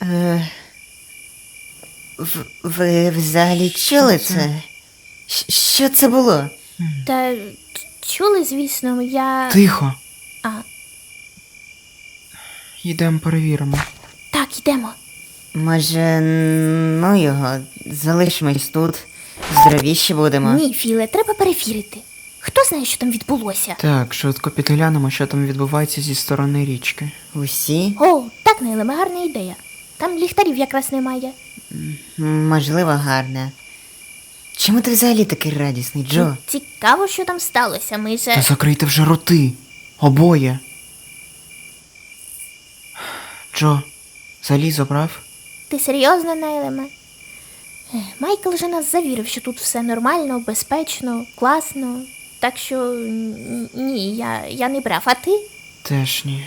Е, ви взагалі чули це? Що це було? Та чули, звісно, я... Тихо. А, Йдемо перевіримо. так, йдемо. Може, ну його, залишимось тут, здоровіші будемо. Ні, Філе, треба перевірити. Хто знає, що там відбулося? Так, швидко підглянемо, що там відбувається зі сторони річки. Усі? О, так, Нейлеме, гарна ідея. Там ліхтарів якраз немає. Можливо, гарне. Чому ти взагалі такий радісний, Джо? Цікаво, що там сталося. Ми Та же... закрийте вже роти. Обоє. Джо, залізо брав? Ти серйозно, Нейлеме? Майкл же нас завірив, що тут все нормально, безпечно, класно. Так що ні, я не брав. А ти? Теж ні.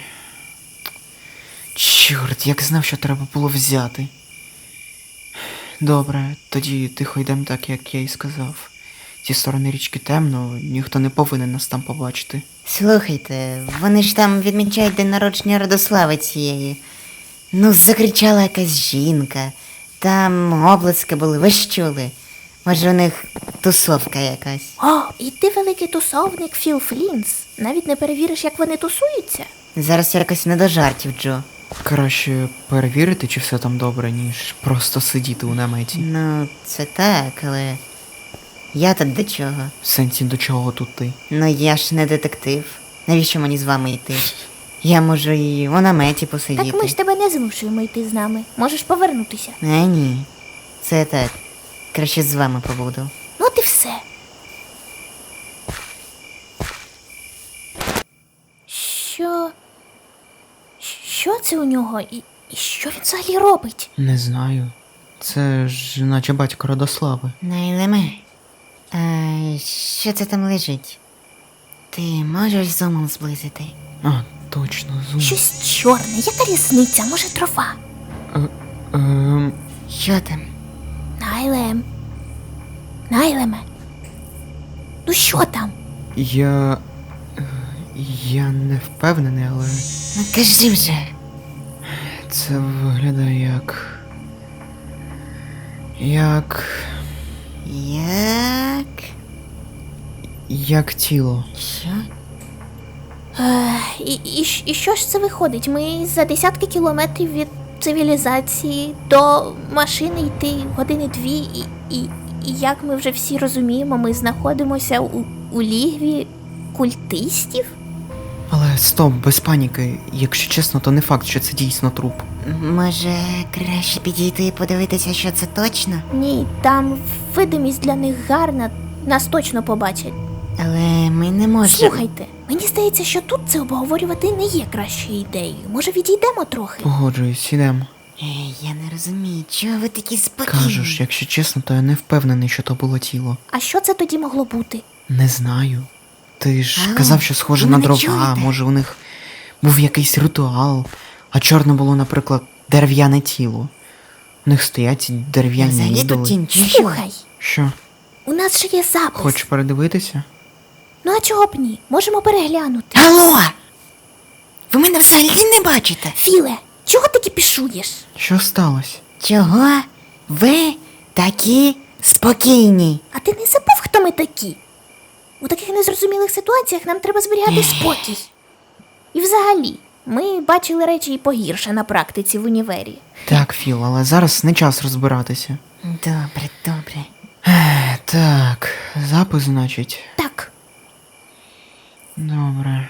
Чорт, як знав, що треба було взяти. Добре, тоді тихо йдемо так, як я і сказав. Зі сторони річки темно, ніхто не повинен нас там побачити. Слухайте, вони ж там відмічають день народження Радослави цієї. Ну, закричала якась жінка. Там облиски були, ви ж чули? Може, у них тусовка якась. О, і ти великий тусовник Філ Флінс. Навіть не перевіриш, як вони тусуються. Зараз якось не до жартів, Джо. Краще перевірити, чи все там добре, ніж просто сидіти у наметі. Ну, це так, але я тут до чого? В сенсі, до чого тут ти? Ну я ж не детектив. Навіщо мені з вами йти? Я можу і у наметі посидіти. Так ми ж тебе не змушуємо йти з нами. Можеш повернутися. Ні. Це так. Краще з вами побуду. Ну от і все. Що? Що це у нього? І що він взагалі робить? Не знаю. Це ж наче батько Радослави. Найлеме. А що це там лежить? Ти можеш зумом зблизити? А, точно, зум. Щось чорне, яка різниця? Може, трава? Що там? Найлем. Найлеме. Ну що там? Я не впевнений, але Ну кажи вже. це виглядає як Як? тіло. Що? І що ж це виходить? Ми за десятки кілометрів від цивілізації до машини йти години-дві, і як ми вже всі розуміємо, ми знаходимося у лігві культистів? Але стоп, без паніки. Якщо чесно, то не факт, що це дійсно труп. Може, краще підійти і подивитися, що це точно? Ні, там видимість для них гарна, нас точно побачать. Але ми не можемо. Слухайте, мені здається, що тут це обговорювати не є кращою ідеєю. Може, відійдемо трохи? Погоджуюсь, ідемо. Я не розумію, чого ви такі спокійні? Кажу ж, якщо чесно, то я не впевнений, що то було тіло. А що це тоді могло бути? Не знаю. Ти ж Алло, казав, що схоже ви на мене дрова, чуєте? може у них був якийсь ритуал, а чорне було, наприклад, дерев'яне тіло. У них стоять ці дерев'яні Взагалі тут ідоли. тінь чи що? Слухай, Що, у нас же є запис. хочеш передивитися? Ну а чого б ні? Можемо переглянути. Алло! Ви мене взагалі не бачите? Філе, чого ти кипішуєш? Що сталося? Чого ви такі спокійні? А ти не забув, хто ми такі? У таких незрозумілих ситуаціях нам треба зберігати спокій. І взагалі, ми бачили речі і погірше на практиці в універі. Так, Філ, але зараз не час розбиратися. Добре, добре. Так, запис, значить. Так, Добре.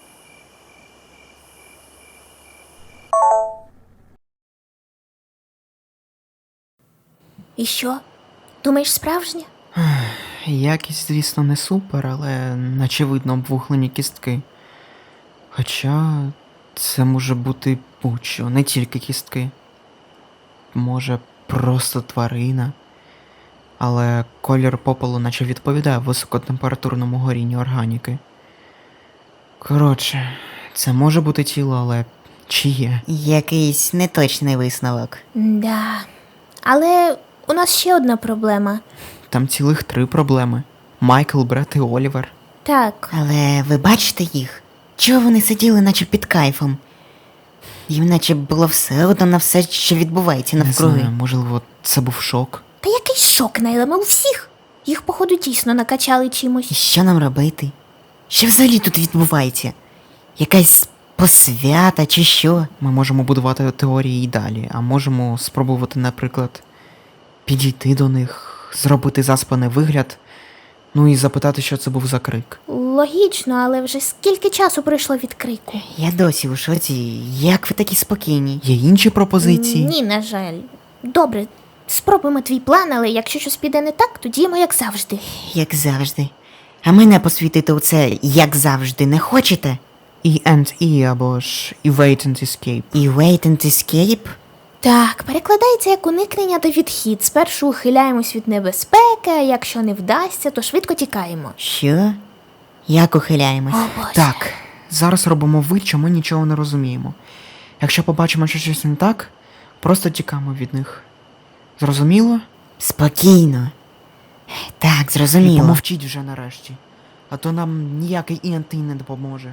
і що? Думаєш, справжнє? Якість, звісно, не супер, але наче видно обвуглені кістки. Хоча це може бути будь-що, не тільки кістки. Може, просто тварина. Але колір попелу наче відповідає високотемпературному горінню органіки. Коротше, це може бути тіло, але чиє? Якийсь неточний висновок. Да. Але у нас ще одна проблема. Там цілих 3 проблеми. Майкл, Бред і Олівер. Так, Але ви бачите їх? Чого вони сиділи, наче під кайфом? Їм наче було все одно на все, що відбувається Не навкруги. знаю, можливо, це був шок. Та який шок, Найла, ми у всіх. Їх, походу, дійсно накачали І чимось. що нам робити? Що взагалі тут відбувається? Якась посвята чи що? Ми можемо будувати теорії і далі, а можемо спробувати, наприклад, підійти до них, зробити заспаний вигляд, ну і запитати, що це був за крик. Логічно, але вже скільки часу пройшло від крику? Я досі у шоці. Як ви такі спокійні? Є інші пропозиції? Ні, на жаль. Добре, спробуємо твій план, але якщо щось піде не так, то діємо як завжди. Як завжди. А мене посвітити у це, як завжди, не хочете? E&E або ж Evade and Escape. І wait and escape? Так, перекладається як уникнення та відхід. Спершу ухиляємось від небезпеки, а якщо не вдасться, то швидко тікаємо. Що? Як ухиляємось? О, Боже. Так, зараз робимо вид, що ми нічого не розуміємо. Якщо побачимо, що щось не так, просто тікаємо від них. Зрозуміло? Спокійно. Так, І зрозуміло. помовчіть вже нарешті. А то нам ніякий E&E не допоможе.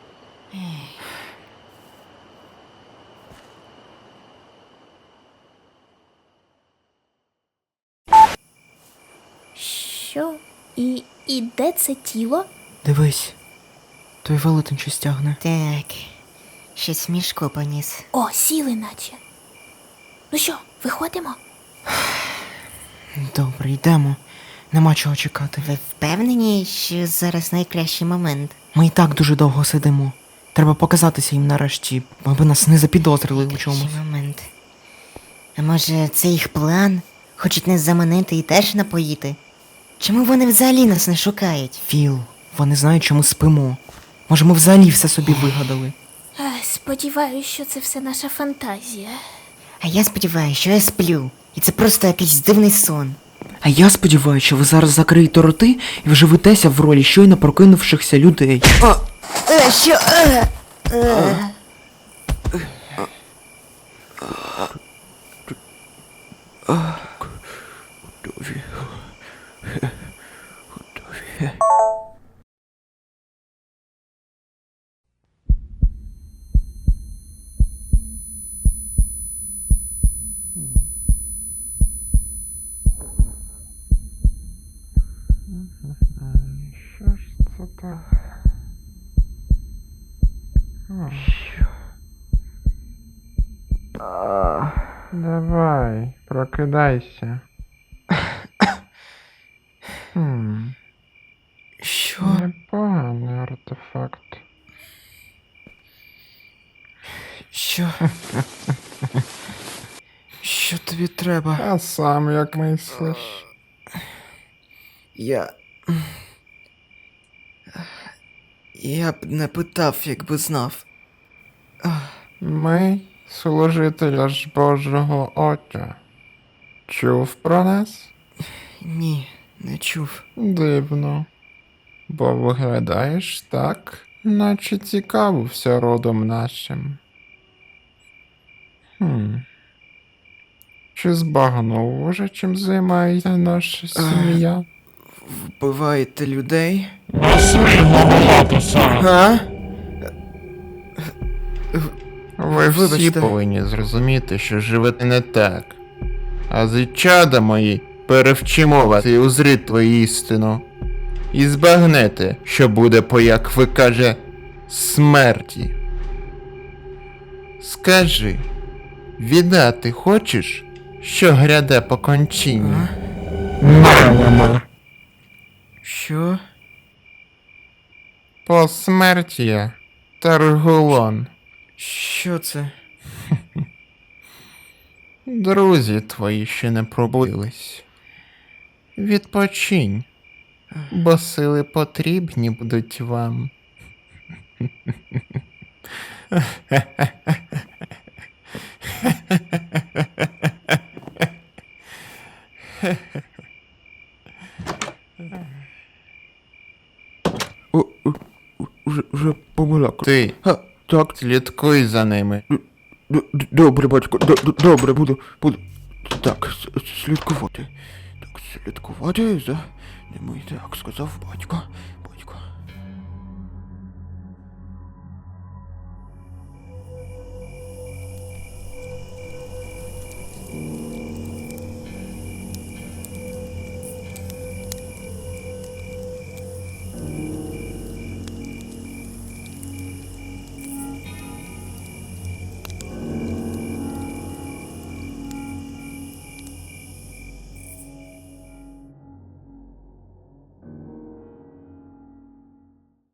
Що? І де це тіло? Дивись, той велетень щось тягне. Так. Щось в мішку поніс. О, сіли наче. Ну що, виходимо? Добре, йдемо. Нема чого чекати. Ви впевнені, що зараз найкращий момент? Ми і так дуже довго сидимо. Треба показатися їм нарешті, аби нас не запідозрили у чомусь. Найкращий момент. А може, це їх план? Хочуть нас заманити і теж напоїти? Чому вони взагалі нас не шукають? Філ, вони знають, що ми спимо. Може, ми взагалі все собі вигадали. Сподіваюсь, що це все наша фантазія. А я сподіваюся, що я сплю. І це просто якийсь дивний сон. А я сподіваюся, що ви зараз закриєте роти і вживитеся в ролі щойно прокинувшихся людей. Що? Що ж це так? Давай, прокидайся. Що? Непоганий артефакт. Що? Що тобі треба? А сам як мислиш? Я б не питав, якби знав. Ми служителя ж Божого Отця. Чув про нас? Ні, не чув. Дивно. Бо виглядаєш так, наче цікавився родом нашим. Чи збагнув уже, чим займається наша сім'я? Вбиваєте людей? Ви всі Вибачте. повинні зрозуміти, що живете не так. А зичада мої перевчимо вас і узріть твою істину. І збагнете, що буде по, як ви каже, смерті. Скажи, віддати хочеш, що гряде по кончині? Що? Посмертія, Таргулон. Що це? Друзі твої ще не пробудились. Відпочинь, бо сили потрібні будуть вам. Уже помилок. Ти Так, слідкуй за ними. добре, батько, добре, буду. Так, слідкувати. Так, слідкувати за ними, так сказав батько.